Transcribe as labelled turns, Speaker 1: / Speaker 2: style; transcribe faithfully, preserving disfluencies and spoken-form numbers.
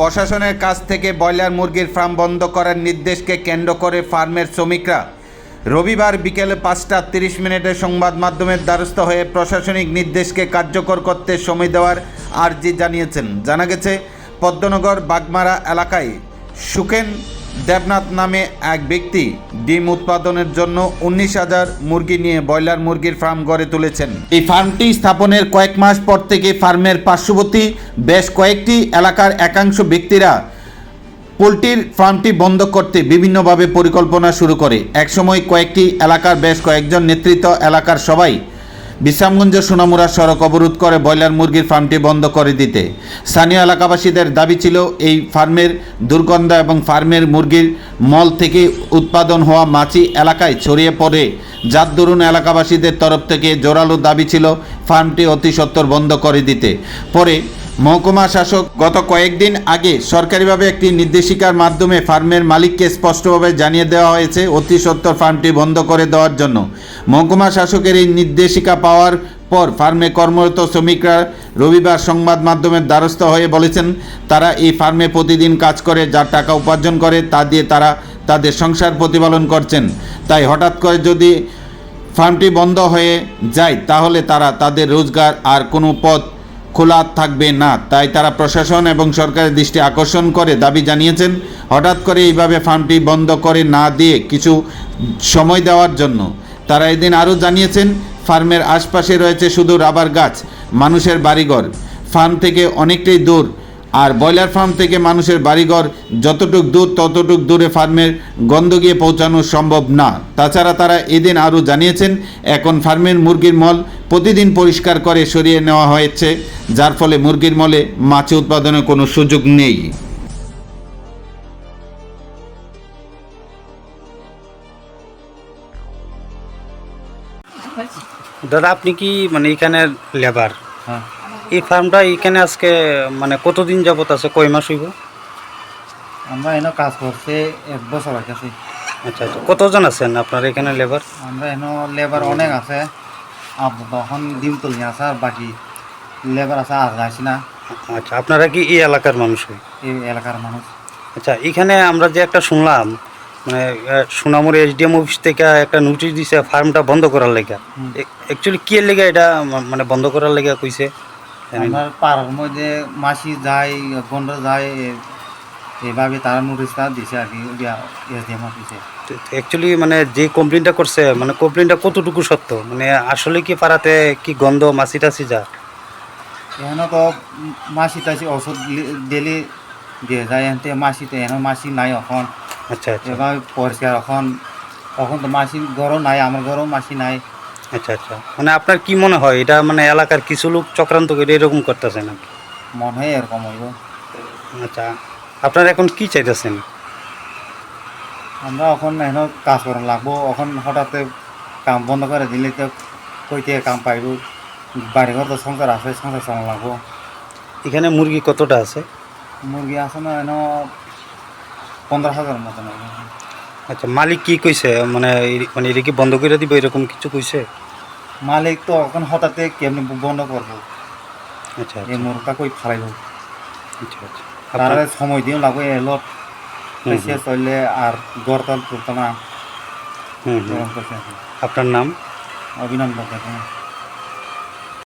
Speaker 1: প্রশাসনের কাছ থেকে ব্রয়লার মুরগির ফার্ম বন্ধ করার নির্দেশকে কেন্দ্র করে ফার্মের শ্রমিকরা রবিবার বিকেলে পাঁচটা তিরিশ মিনিটে সংবাদ মাধ্যমের দ্বারস্থ হয়ে প্রশাসনিক নির্দেশকে কার্যকর করতে সময় দেওয়ার আর্জি জানিয়েছেন। জানা গেছে, পদ্মনগর বাগমারা এলাকায় সুকেন দেবনাথ নামে এক ব্যক্তি ডিম উৎপাদনের জন্য উনিশ হাজার মুরগি নিয়ে ব্রয়লার মুরগির ফার্ম গড়ে তুলেছেন। এই ফার্মটি স্থাপনের কয়েক মাস পর থেকে ফার্মের পার্শ্ববর্তী বেশ কয়েকটি এলাকার একাংশ ব্যক্তিরা পোলট্রির ফার্মটি বন্ধ করতে বিভিন্নভাবে পরিকল্পনা শুরু করে। একসময় কয়েকটি এলাকার বেশ কয়েকজন নেতৃত্ব এলাকার সবাই বিশ্রামগঞ্জ সোনামুড়া সড়ক অবরোধ করে ব্রয়লার মুরগির ফার্মটি বন্ধ করে দিতে। স্থানীয় এলাকাবাসীদের দাবি ছিল এই ফার্মের দুর্গন্ধ এবং ফার্মের মুরগির মল থেকে উৎপাদন হওয়া মাছি এলাকায় ছড়িয়ে পড়ে, যার দরুন এলাকাবাসীদের তরফ থেকে জোরালো দাবি ছিল ফার্মটি অতি সত্বর বন্ধ করে দিতে। পরে মহকুমা শাসক গত কয়েকদিন আগে সরকারিভাবে একটি নির্দেশিকার মাধ্যমে ফার্মের মালিককে স্পষ্টভাবে জানিয়ে দেওয়া হয়েছে অতি সত্বর ফার্মটি বন্ধ করে দেওয়ার জন্য। মহকুমা শাসকের এই নির্দেশিকা পাওয়ার পর ফার্মে কর্মরত শ্রমিকরা রবিবার সংবাদ মাধ্যমের দ্বারস্থ হয়ে বলেছেন, তারা এই ফার্মে প্রতিদিন কাজ করে যার টাকা উপার্জন করে তা দিয়ে তারা তাদের সংসার প্রতিপালন করছেন। তাই হঠাৎ করে যদি ফার্মটি বন্ধ হয়ে যায় তাহলে তারা তাদের রোজগার আর কোনো পথ খোলা থাকবে না। তাই তারা প্রশাসন এবং সরকারের দৃষ্টি আকর্ষণ করে দাবি জানিয়েছেন হঠাৎ করে এইভাবে ফার্মটি বন্ধ করে না দিয়ে কিছু সময় দেওয়ার জন্য। তারা এদিন আরও জানিয়েছেন, ফার্মের আশপাশে রয়েছে শুধু রাবার গাছ, মানুষের বাড়িঘর ফার্ম থেকে অনেকটাই দূর, আর ব্রয়লার ফার্ম থেকে মানুষের বাড়িঘর যতটুক দূর ততটুক দূরে ফার্মের গন্ধ গিয়ে পৌঁছানো সম্ভব না। তাছাড়া তারা এদিন আরও জানিয়েছেন, এখন ফার্মের মুরগির মল প্রতিদিন পরিষ্কার করে সরিয়ে নেওয়া হয়েছে, যার ফলে মুরগির মলে মাছি উৎপাদনের কোনো সুযোগ নেই।
Speaker 2: দাদা, আপনি কি মানে এখানের লেবার?
Speaker 3: হ্যাঁ,
Speaker 2: এই ফার্মটা এখানে আজকে মানে কতদিন যাবত আছে, কয় মাস হইব?
Speaker 3: আমরা এনে কাজ করছে এক বছর হয়েছে।
Speaker 2: আচ্ছা আচ্ছা, কতজন আছেন আপনার এখানে লেবার?
Speaker 3: আমরা এনে লেবার অনেক আছে, তখন ডিম তুলি আছে, আর বাকি লেবার আছে আর যাইছি না।
Speaker 2: আচ্ছা, আপনারা কি এই এলাকার মানুষ?
Speaker 3: এই এলাকার মানুষ।
Speaker 2: আচ্ছা, এখানে আমরা যে একটা শুনলাম মানে সোনামুড়ি এসডিএম অফিস থেকে একটা নোটিশ দিছে ফার্মটা বন্ধ করার লেগা। অ্যাকচুয়ালি কি এর লেগা এটা মানে বন্ধ করার লেগা কইছে?
Speaker 3: আমার পাড়ার মধ্যে মাসি যায়, গন্ড যায়, এইভাবে তারা নোটিশটা দিছে আর কি এসডিএম অফিসে।
Speaker 2: অ্যাকচুয়ালি মানে যে কমপ্লেনটা করছে মানে কমপ্লেনটা কতটুকু সত্য? মানে আসলে কি পাড়াতে কি গন্ধ মাছি টাছি যা?
Speaker 3: এখানে তো মাসি টাছি ওষুধ দিলে দিয়ে যায়, এনতে মাসিতে এখানে মাসি নাই এখন।
Speaker 2: আচ্ছা আচ্ছা,
Speaker 3: এবার পরিষ্কার এখন এখন তো মাসি ঘরও নাই, আমার ঘরও মাসি নাই।
Speaker 2: আচ্ছা আচ্ছা, মানে আপনার কি মনে হয় এটা মানে এলাকার কিছু লোক চক্রান্ত করে এরকম করতেছে নাকি?
Speaker 3: মনে হয় এরকম হইব।
Speaker 2: আচ্ছা, আপনারা এখন কি চাইতেছেন?
Speaker 3: আমরা এখন এখন কাজ করা লাগবো, এখন হঠাৎ কাম বন্ধ করে দিলে তো কই থেকে কাম পাইব, বাড়িঘর তো সংসার আছে, সংসার চালা লাগবো।
Speaker 2: এখানে মুরগি কতটা আছে?
Speaker 3: মুরগি আছে না এনে পনেরো হাজার মতন।
Speaker 2: আচ্ছা, মালিক কি কইছে মানে মানে এটা কি বন্ধ করে দিব এরকম কিছু কইছে?
Speaker 3: মালিক তো এখন হঠাৎ কেমনি বন্ধ করবো,
Speaker 2: আচ্ছা
Speaker 3: এই মুরগটা কই ফালাইব,
Speaker 2: আচ্ছা আচ্ছা,
Speaker 3: তার সময় দিও লাগবে এলো শেষ হইলে আর গড়তল তুলতো না।
Speaker 2: হুম হুম, আপনার নাম?
Speaker 3: অভিনন্দন।